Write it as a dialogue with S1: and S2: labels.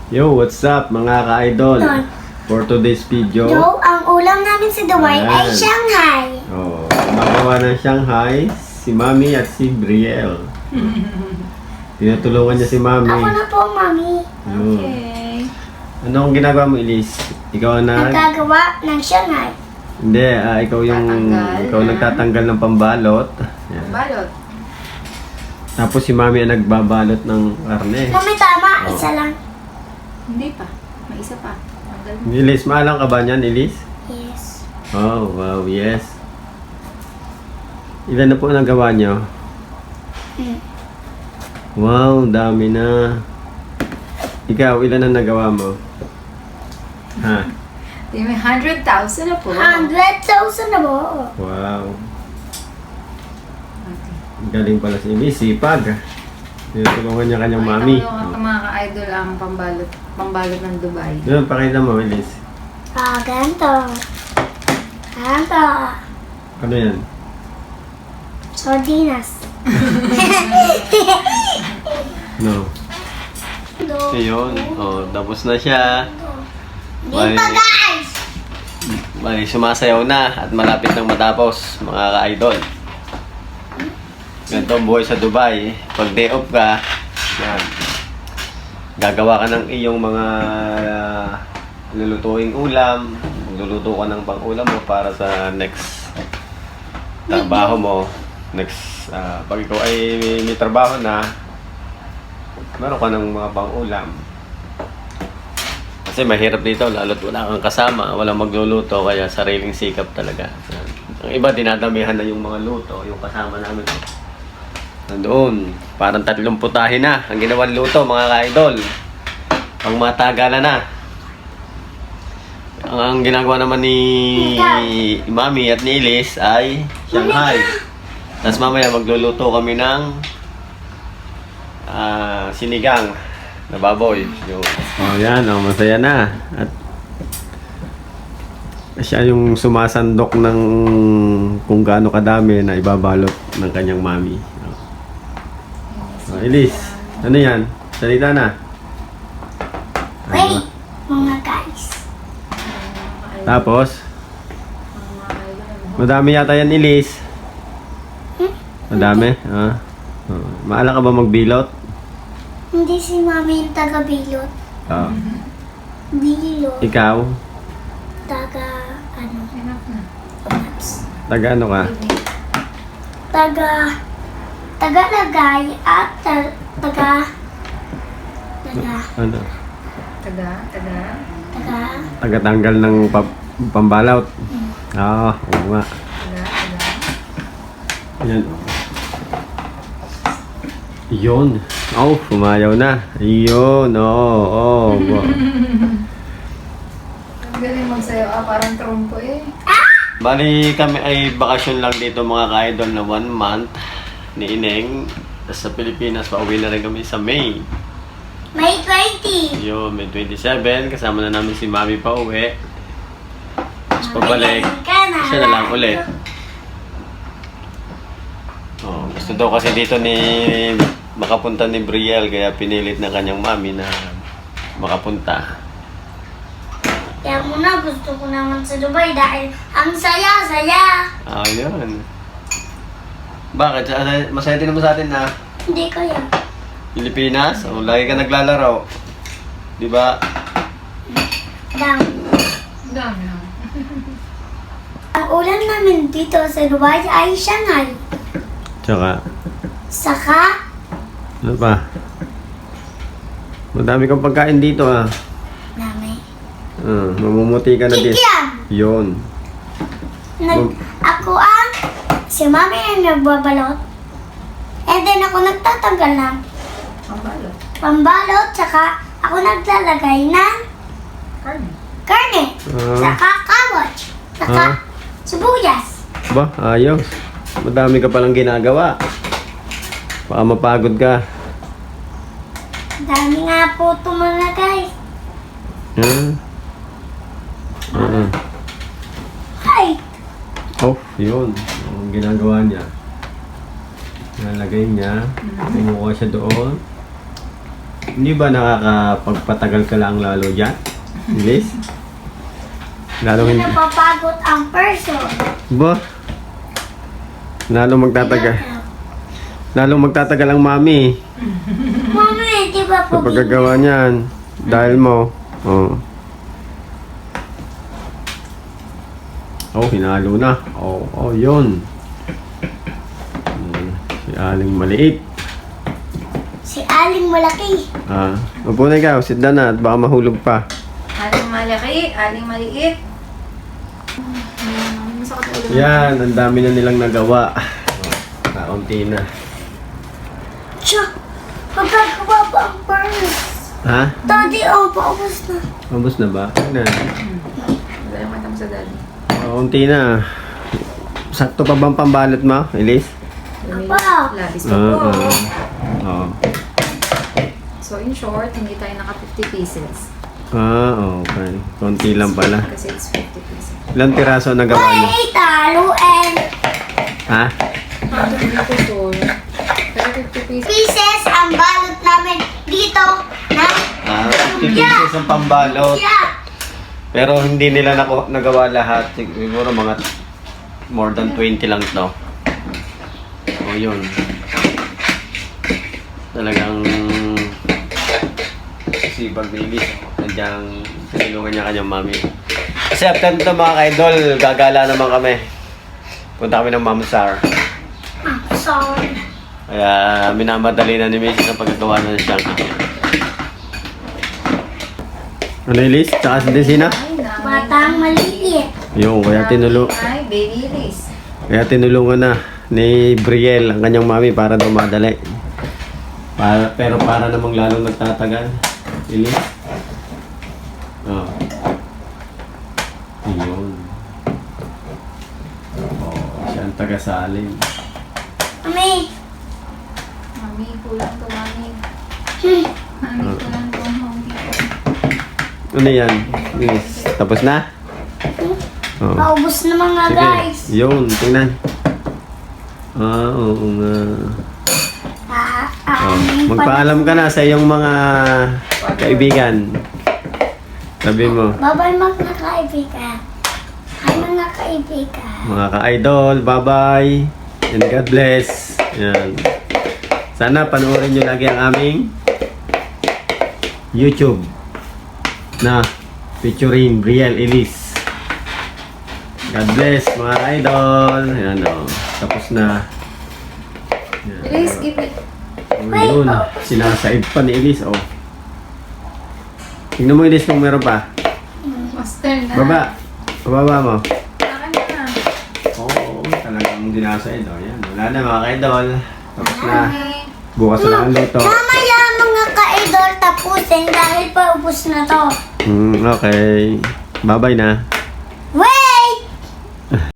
S1: Yo, what's up mga ka-idol? For today's video,
S2: Ang ulam namin sa Dubai ay
S1: Ayan.
S2: Shanghai.
S1: gumagawa ng Shanghai si Mami at si Brielle. Tinutulungan niya si Mami.
S2: Ako na po, Mami.
S1: Yun.
S3: Okay.
S1: Anong ginagawa mo, Elise? Ikaw ang
S2: Nagkagawa ng Shanghai.
S1: Hindi, ikaw yung
S3: Tatanggal.
S1: ikaw nagtatanggal ng pambalot. Yan.
S3: Balot.
S1: Tapos si Mami ang nagbabalot ng karne.
S2: Mami, tama. Isa lang.
S3: Hindi pa. May isa pa. Tanggal mo.
S1: Elise, maalang ka ba niyan, Elise?
S2: Yes.
S1: Oh, wow, yes. Ilan na po nagawa niyo? Wow, dami na. Ikaw, ilan na nagawa mo? Ha?
S3: Di may 100,000 na po.
S2: 100,000 na po.
S1: Wow.
S3: Okay.
S1: Galing pala si Elise, sipag. Tinutulungan niya kanyang mami.
S3: Ang mga ka-idol ang pambalot ng Dubai.
S1: Yun, pakita mo, Elise.
S2: Ganito. Ganito.
S1: Ano yan?
S2: Sardinas.
S1: No. Ayun, tapos na siya.
S2: Di pa, guys!
S1: Bali, sumasayaw na at malapit nang matapos, mga ka-idol. Ganito ang buhay sa Dubai. Pag day off ka, yan. Gagawa ka ng iyong mga lulutuing ulam. Luluto ka ng pang-ulam mo para sa next trabaho mo. Next, pag ikaw ay may trabaho na, meron ka ng mga pang-ulam. Kasi mahirap dito, lalo't wala kang kasama, walang magluluto, kaya sariling sikap talaga. Ang iba, dinadamihan na yung mga luto, yung kasama namin. Nandoon, parang 30 putahe na ang ginawang luto, mga ka-idol. Pang matagalan na. Ang ginagawa naman ni Mami at ni Elise ay Shanghai. Tapos mamaya magluluto kami ng sinigang na baboy. Yan, masaya na. At siya yung sumasandok ng kung gaano kadami na ibabalot ng kanyang mami. Elise, ano yan? Salita na.
S2: Wait, mga guys.
S1: Tapos,
S3: Ang mga ka-idol.
S1: madami yata yan, Elise. Madami? Maala ka ba magbilot?
S2: Hindi si Mami yung taga-bilot. Bilot.
S1: Ikaw?
S3: Enough na.
S1: Taga ano ka?
S2: Taga-lagay at taga...
S1: Ano?
S3: Taga.
S1: Tagatanggal ng pambalot. Oo nga. Yan. Yun. Pumayaw na. Yun, wow.
S3: Ang galing magsayo. Parang trompo eh.
S1: Bali kami ay bakasyon lang dito mga ka-idol na 1 month ni Ineng. Tapos sa Pilipinas, pauwi na rin kami sa May.
S2: May 20.
S1: Yun, May 27. Kasama na namin si Mami pa uwi. Tapos pabalik, siya na lang ulit. Gusto daw kasi dito ni makapunta ni Brielle, kaya pinilit ng kanyang mami na makapunta.
S2: Kaya muna gusto ko naman sa Dubai dahil ang saya-saya.
S1: Yun. Bakit? Masaya din naman sa atin na
S2: Hindi ko yan.
S1: Pilipinas. Lagi ka naglalaro. Di ba?
S2: Dang.
S3: Ang dami na.
S2: Ang ulam namin dito sa Dubai ay Shanghai.
S1: Tsaka,
S2: Saka,
S1: ano pa? Madami kang pagkain dito
S2: dami.
S1: Mamumuti ka na din.
S2: Kikiam!
S1: Yun.
S2: Ako ang si Mami ang nagbabalot. And then ako nagtatanggal ng
S3: Ang balot.
S2: pambalot. Saka ako naglalagay ng
S3: Karne.
S2: karne. Saka kawach. Saka sibuyas.
S1: Ba, ayos. Madami ka palang ginagawa. Baka mapagod ka.
S2: Dami nga po ito mga guys. Hi!
S1: Yun. Ang ginagawa niya. Nalagay niya. Kumuha siya doon. Hindi ba nakakapagpatagal ka lang lalo dyan? Ilis? Lalo
S2: Hindi
S1: hindi.
S2: napapagod ang person.
S1: Ba? Lalo magtatagal. Lalo magtatagal ang mami.
S2: Mami, di ba
S1: Sa
S2: po
S1: paggagawa niyan. Dahil mo. Oh. Oh, hinalo na. Oh, yun. Si Aling maliit.
S2: Si Aling malaki.
S1: Upo na ikaw. Sit down na at baka mahulog pa.
S3: Aling malaki, aling maliit. Masakit ang ulo.
S1: Yan, ang dami na nilang nagawa. Kaunti na.
S2: Tiyo, magagawa ba ang purse?
S1: Ha?
S2: Daddy, paubos na.
S1: Mabos na ba? Na.
S3: Wala yung mata mo sa daddy.
S1: Kaunti na. Sakto pa bang pambalot mo, Elise?
S2: Apa?
S3: Labis pa po.
S1: Oo.
S3: So in short, hindi tayo naka 50 pieces.
S1: Okay. Konti lang pala.
S3: Kasi it's 50 pieces.
S1: Ilang piraso na gawa niyo?
S2: Wait, taluin.
S1: Ha?
S3: Ano dito to? Pero 50 pieces.
S2: Pieces ang balot namin dito na
S1: 50 pieces ang pambalot.
S2: yeah.
S1: Pero hindi nila nagawa lahat. Siguro mga more than 20 lang to. O yun. Talagang sipag ni Elise. Nandiyan tinulungan niya kanyang mami. Kasi after nito mga ka-idol, gagala naman kami. Punta kami ng Mamsar.
S2: Sorry.
S1: Kaya minamadali na ni Macy sa paggagawa na ng siyang kitchen. Ano Elise? Tsaka si Desina?
S3: Ay, nami.
S2: Batang maliit.
S1: Yung,
S3: Ay, baby Liz.
S1: kaya tinulungan na ni Brielle ang kanyang mami para daw madali. Pero para namang lalong nagtatagal. Elise? Oh. Yun. Siya ang taga-salin.
S2: Mami.
S3: Mami, kulang to, mami.
S2: Hmm.
S3: Mami, kulang to, mami.
S1: Ano yan? Elise, tapos na? Oh.
S2: Paubos na mga guys.
S1: Yun, tingnan. Oo nga. Magpaalam ka na sa iyong mga kaibigan. Sabi mo,
S2: Bye-bye mga kaibigan. Hi mga kaibigan.
S1: mga ka-idol, bye-bye. And God bless. Yan. Sana panoorin nyo lagi ang aming YouTube na featuring Brielle Elise. God bless mga idol. Yan o. Tapos na. Yan.
S3: Please give it.
S1: Yun. Sinasaid pa ni Elise. Oh. Tingnan mo Elise kung meron pa.
S3: Master na.
S1: Baba. Bababa mo.
S3: Akin na.
S1: Oo. Talagang dinasaid. Oh. Yan. Wala na mga ka-idol. Tapos na.
S3: Mami.
S1: Bukas na lang ang luto.
S2: Mamaya mga ka-idol tapusin dahil paubos na to.
S1: Okay. Bye-bye na.